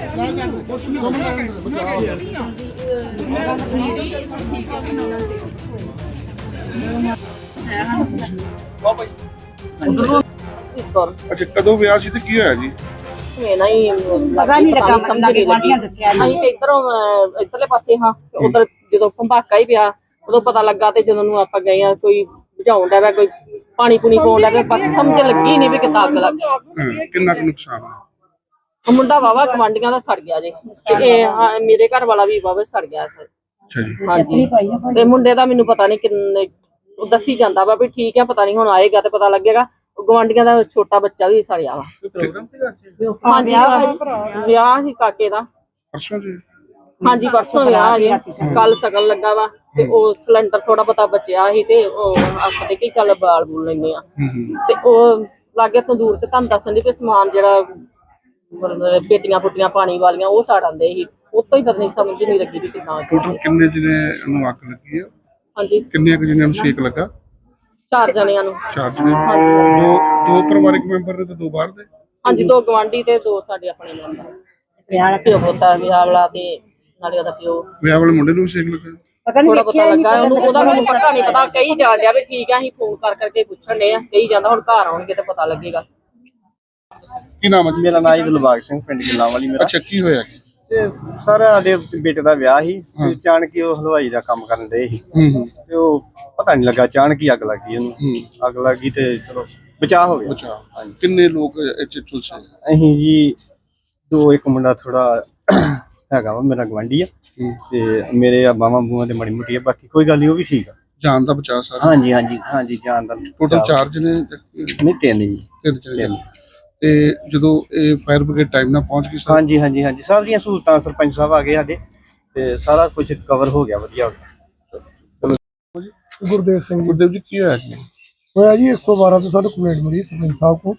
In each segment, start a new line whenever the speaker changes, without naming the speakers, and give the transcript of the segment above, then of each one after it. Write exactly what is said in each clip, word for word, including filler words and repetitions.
अच्छा कदों विआह सी ते की होया जी?
ना ही लगा नहीं लगा समझ नहीं लगी ਅਸੀਂ ਤੇ ਇਧਰੋਂ ਇਧਰਲੇ ਪਾਸੇ ਹਾਂ ਉਧਰ ਜਦੋਂ ਭੰਬਾਕਾ ਹੀ ਪਿਆ ਉਦੋਂ ਪਤਾ ਲੱਗਾ ਤੇ ਜਦੋਂ ਨੂੰ ਆਪਾਂ ਗਏ ਆ ਕੋਈ ਬੁਝਾਉਣ ਦਾ ਵਾ ਕੋਈ ਪਾਣੀ ਪੂਣੀ ਪਾਉਣ ਦਾ ਬਾਕੀ ਸਮਝ ਲੱਗੀ ਨਹੀਂ ਵੀ ਕਿੱਦਾਂ ਅੱਗ ਲੱਗ ਗਈ।
ਕਿੰਨਾ ਕੁ ਨੁਕਸਾਨ ਆ?
ਮੁੰਡਾ ਵਾਵਾ ਕਮਾਂਡੀਆਂ ਦਾ ਸੜ ਗਿਆ ਜੀ ਤੇ ਇਹ ਮੇਰੇ ਘਰ ਵਾਲਾ ਵੀ ਵਾਵਾ ਸੜ ਗਿਆ।
ਅੱਛਾ ਜੀ।
ਹਾਂਜੀ ਤੇ ਮੁੰਡੇ ਦਾ ਮੈਨੂੰ ਪਤਾ ਨਹੀਂ ਕਿੰਨੇ ਦੱਸੀ ਜਾਂਦਾ ਵਾ ਵੀ ਠੀਕ ਹੈ ਪਤਾ ਨਹੀਂ ਹੁਣ ਆਏਗਾ ਤੇ ਪਤਾ ਲੱਗੇਗਾ। ਗਵਾਂਡੀਆਂ ਦਾ ਛੋਟਾ ਬੱਚਾ ਵੀ ਸੜਿਆ ਵਾ। ਹਾਂਜੀ ਵਿਆਹ ਸੀ ਕਾਕੇ ਦਾ
ਪਰਸੋਂ ਜੀ।
ਹਾਂਜੀ ਪਰਸੋਂ ਵਿਆਹ ਜੀ ਕੱਲ ਸ਼ਗਨ ਲੱਗਾ ਵਾ ਤੇ ਉਹ ਸਿਲੰਡਰ ਥੋੜਾ ਬਹੁਤਾ ਬਚਿਆ ਸੀ ਤੇ ਉਹ ਆਪਾਂ ਕਿ ਚੱਲ ਬਾਲ ਬੂਲ ਲੈਂਦੇ ਆ ਤੇ ਉਹ ਲਾਗੇ ਤੰਦੂਰ ਚ ਤੁਹਾਨੂੰ ਦੱਸਣ ਦੀ ਵੀ ਸਮਾਨ ਜਿਹੜਾ ਪੇਟੀਆਂ ਪੁੱਟੀਆਂ ਪਾਣੀ ਵਾਲੀਆਂ ਉਹ ਸਾੜ ਆਂਦੇ ਸੀ ਉਤੋਂ ਹੀ ਪਤਾ ਨਹੀਂ ਸਮਝ ਨਹੀਂ ਲੱਗੀ ਵੀ ਕਿੰਨਾ।
ਟੋਟਲ ਕਿੰਨੇ ਜਿਹਨੇ ਨੂੰ ਅੱਗ ਲੱਗੀ ਆ?
ਹਾਂਜੀ
ਕਿੰਨੇ ਕੁ ਜਿਹਨਾਂ ਨੂੰ ਸੇਕ ਲੱਗਾ?
ਚਾਰ ਜਣਿਆਂ ਨੂੰ।
ਚਾਰ ਜਣੇ?
ਹਾਂਜੀ
ਦੋ ਦੋ ਪਰਿਵਾਰਕ ਮੈਂਬਰ ਨੇ ਤੇ ਦੋ ਬਾਹਰ ਦੇ?
ਹਾਂਜੀ ਦੋ ਗਵਾਂਢੀ ਤੇ ਦੋ ਸਾਡੇ ਆਪਣੇ ਮੈਂਬਰ। ਵਿਆਹ ਵਾਲਾ ਪਿਓ ਪੁੱਤਾ ਵਿਆਹ ਵਾਲਾ ਤੇ ਨਾਲੇ ਉਹਦਾ ਪਿਓ।
ਵਿਆਹ ਵਾਲੇ ਮੁੰਡੇ ਨੂੰ ਵੀ ਸੇਕ ਲੱਗਾ?
ਪਤਾ ਨਹੀਂ ਪਤਾ ਲੱਗਾ ਉਹਨੂੰ ਉਹਦਾ ਮੈਨੂੰ ਪਤਾ ਨਹੀਂ ਪਤਾ ਕਹੀ ਜਾਣ ਡਿਆ ਵੀ ਠੀਕ ਆ ਅਸੀਂ ਫੋਨ ਕਰ ਕਰਕੇ ਪੁੱਛਣ ਡਏ ਆ ਕਹੀ ਜਾਂਦਾ ਹੁਣ ਘਰ ਆਉਣਗੇ ਤੇ ਪਤਾ ਲੱਗੇਗਾ।
ਕੀ ਨਾਮ ਹੈ?
ਮੇਰਾ ਨਾਮ ਦਿਲਬਾਗ ਸਿੰਘ ਪਿੰਡ ਗਿੱਲਾਂਵਾਲੀ ਮੇਰਾ।
ਅੱਛਾ ਕੀ ਹੋਇਆ?
ਤੇ ਸਰ ਸਾਡੇ ਬੇਟੇ ਦਾ ਵਿਆਹ ਸੀ ਤੇ ਅਚਾਨਕ ਹੀ ਉਹ ਹਲਵਾਈ ਦਾ ਕੰਮ ਕਰਨ ਦੇ ਸੀ ਤੇ ਉਹ ਪਤਾ ਨਹੀਂ ਲੱਗਾ ਅਚਾਨਕ ਹੀ ਅੱਗ ਲੱਗ ਗਈ ਉਹਨੂੰ। ਅੱਗ ਲੱਗ ਗਈ ਤੇ ਚਲੋ ਬਚਾਅ ਹੋ ਗਿਆ।
ਬਚਾਅ। ਕਿੰਨੇ ਲੋਕ ਇੱਥੇ ਝੁਲਸੇ?
ਅਸੀਂ ਜੀ ਦੋ ਇੱਕ ਮੁੰਡਾ ਥੋੜਾ ਹੈਗਾ ਵਾ ਮੇਰਾ ਗਵਾਂਢੀ ਆ ਤੇ ਮੇਰੇ ਆ ਬਾਵਾਂ ਬੂਆਂ ਤੇ ਮੜੀ ਮੁੱਟੀ ਆ ਬਾਕੀ ਕੋਈ ਗੱਲ ਨਹੀਂ ਉਹ ਵੀ ਠੀਕ ਆ।
ਜਾਨ ਦਾ ਬਚਾਅ ਸਾਰਾ?
ਹਾਂਜੀ ਹਾਂਜੀ ਹਾਂਜੀ ਜਾਨ ਦਾ।
ਟੋਟਲ ਚਾਰ ਜਣੇ?
ਨਹੀਂ ਤਿੰਨ ਜੀ।
ਤਿੰਨ ਜਣੇ। ਤੇ ਜਦੋਂ ਇਹ ਫਾਇਰ ਬ੍ਰਿਗੇਡ ਟਾਈਮ ਨਾਲ ਪਹੁੰਚ ਗਈ?
ਹਾਂਜੀ ਹਾਂਜੀ ਹਾਂਜੀ ਸਭ ਦੀਆਂ ਸਹੂਲਤਾਂ ਸਰਪੰਚ ਸਾਹਿਬ ਆ ਗਏ ਸਾਡੇ ਤੇ ਸਾਰਾ ਕੁਝ ਕਵਰ ਹੋ ਗਿਆ ਵਧੀਆ ਹੋ ਗਿਆ।
ਗੁਰਦੇਵ ਸਿੰਘ। ਗੁਰਦੇਵ ਜੀ ਕੀ ਹੋਇਆ ਜੀ?
ਹੋਇਆ ਜੀ ਇੱਕ ਸੌ ਬਾਰਾਂ ਤੇ ਸਾਨੂੰ ਕੰਪਲੇਂਟ ਮਿਲੀ ਸਰਪੰਚ ਸਾਹਿਬ को।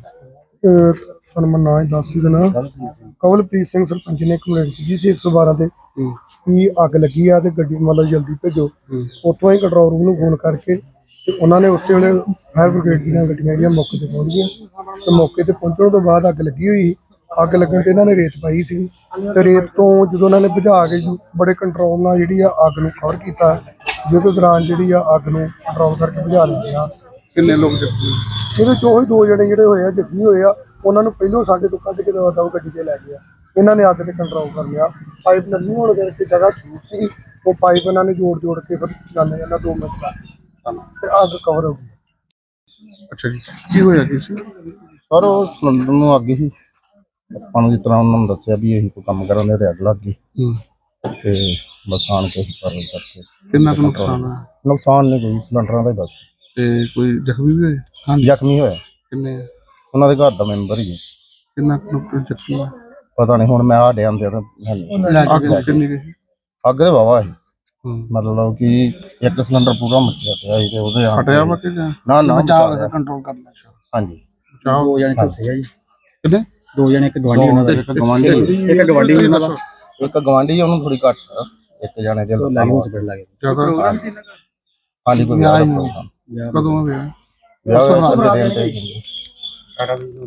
ਸਾਨੂੰ ਮੈਂ ਨਾਂ ਦੱਸ ਦੇਣਾ ਕਵਲਪ੍ਰੀਤ ਸਿੰਘ ਸਰਪੰਚ ਨੇ ਕੰਪਲੇਂਟ ਕੀਤੀ ਸੀ ਇੱਕ ਸੌ ਬਾਰਾਂ ਤੇ ਵੀ ਅੱਗ ਲੱਗੀ ਆ ਤੇ ਗੱਡੀ ਮਤਲਬ ਜਲਦੀ ਭੇਜੋ। ਉੱਥੋਂ ਹੀ ਕੰਟਰੋਲ ਰੂਮ ਨੂੰ ਫੋਨ ਕਰਕੇ ਤੇ ਉਹਨਾਂ ਨੇ ਉਸੇ ਵੇਲੇ ਫਾਇਰ ਬ੍ਰਿਗੇਡ ਦੀਆਂ ਗੱਡੀਆਂ ਜਿਹੜੀਆਂ ਮੌਕੇ ਤੇ ਪਹੁੰਚ ਗਈਆਂ ਤੇ ਮੌਕੇ ਤੇ ਪਹੁੰਚਣ ਤੋਂ ਬਾਅਦ ਅੱਗ ਲੱਗੀ ਹੋਈ ਅੱਗ ਲੱਗਣ ਤੇ ਇਹਨਾਂ ਨੇ ਰੇਤ ਪਾਈ ਸੀ ਤੇ ਰੇਤ ਤੋਂ ਜਦੋਂ ਉਹਨਾਂ ਨੇ ਬੁਝਾ ਕੇ ਬੜੇ ਕੰਟਰੋਲ ਨਾਲ ਜਿਹੜੀ ਆ ਅੱਗ ਨੂੰ ਕਵਰ ਕੀਤਾ ਜਿਹਦੇ ਦੌਰਾਨ ਜਿਹੜੀ ਆ ਅੱਗ ਨੂੰ ਕੰਟਰੋਲ ਕਰਕੇ ਬੁਝਾ ਲਿਆ।
ਕਿੰਨੇ ਲੋਕ ਜ਼ਖਮੀ?
ਇਹਦੇ ਚੋਂ ਹੀ ਦੋ ਜਣੇ ਜਿਹੜੇ ਹੋਏ ਆ ਜ਼ਖਮੀ ਹੋਏ ਆ ਉਹਨਾਂ ਨੂੰ ਪਹਿਲੋਂ ਸਾਡੇ ਤੋਂ ਕੱਢ ਕੇ ਦਵਾ ਗੱਡੀ ਤੇ ਲੈ ਗਏ ਆ। ਇਹਨਾਂ ਨੇ ਅੱਗ ਤੇ ਕੰਟਰੋਲ ਕਰ ਲਿਆ। ਪਾਈਪ ਨਰਮੀ ਹੋਣ ਕਰਕੇ ਜਗ੍ਹਾ ਛੂਟ ਸੀ ਉਹ ਪਾਈਪ ਇਹਨਾਂ ਨੇ ਜੋੜ ਜੋੜ ਕੇ ਫਿਰ ਜਾਂਦੇ ਜਾਂਦਾ ਦੋ ਮਿੰਟ ਬਾਅਦ ਤੇ ਅੱਗ ਕਵਰ ਹੋ ਗਈ।
ਅੱਛਾ ਜੀ ਕੀ ਹੋਇਆ ਕੀ ਸੀ?
ਸਰ ਉਹ ਸਿਲੰਡਰ ਨੂੰ ਅੱਗ ਹੀ ਆਪਾਂ ਨੂੰ ਜਿਸ ਤਰ੍ਹਾਂ ਉਹਨਾਂ ਨੂੰ ਦੱਸਿਆ ਵੀ ਇਹੀ ਕੋਈ ਕੰਮ ਕਰਨ ਦੇ ਤੇ ਅੱਗ ਲੱਗ ਗਈ ਤੇ ਬਸ ਆਣ ਕੇ ਕਾਰਵਾਈ ਕਰਕੇ।
ਕਿੰਨਾ ਕੁ ਨੁਕਸਾਨ ਹੋਇਆ?
ਨੁਕਸਾਨ ਨਹੀਂ ਕੋਈ ਸਿਲੰਡਰਾਂ ਦਾ ਹੀ ਬਸ।
ਤੇ ਕੋਈ ਜ਼ਖਮੀ ਵੀ ਹੋਏ?
ਹਾਂਜੀ ਜ਼ਖਮੀ ਹੋਇਆ।
ਕਿੰਨੇ?
ਉਹਨਾਂ ਦੇ ਘਰ ਦਾ ਮੈਂਬਰ ਹੀ ਹੈ।
ਕਿੰਨਾ ਕੁ ਜ਼ਖਮੀ ਹੋਇਆ?
ਪਤਾ ਨਹੀਂ ਹੁਣ ਮੈਂ ਆ ਡਿਆਂ ਦੇ
ਅੱਗ ਕਿੰਨੀ ਗਈ?
ਅੱਗ ਦੇ ਵਾਵਾ ਸੀ ਮਤਲਬ ਕਿ ਇੱਕ ਸਿਲੰਡਰ ਪੂਰਾ ਮੱਚਿਆ ਪਿਆ ਸੀ ਤੇ ਉਹਦੇ
ਫਟਿਆ ਵਾ ਕਿ
ਨਾ ਨਾ
ਬਚਾਅ ਕੰਟਰੋਲ ਕਰਨਾ?
ਹਾਂਜੀ
ਦੋ ਜਣੇ ਝੁਲਸੇ ਆ ਜੀ।
ਕਿੰਨੇ?
ਦੋ ਜਣੇ ਇੱਕ ਗਵਾਂਢੀ ਉਹਨਾਂ ਦਾ
ਇੱਕ ਗਵਾਂਢੀ
ਇੱਕ ਗਵਾਂਢੀ ਉਹਨਾਂ ਦਾ
ਇੱਕ ਗਵਾਂਢੀ ਉਹਨੂੰ ਥੋੜੀ ਘੱਟ ਇੱਕ ਜਣੇ ਦੇ
ਲੱਗ ਹਸਪੀਟਲ ਲੱਗੇ
ਜ਼ਿਆਦਾ?
ਹਾਂਜੀ ਕੋਈ ਵਿਆਹ ਦਾ ਪ੍ਰੋਗਰਾਮ।
ਕਦੋਂ ਵਿਆਹ?
ਵਿਆਹ ਦੇ ਦਿਨ ਤੇ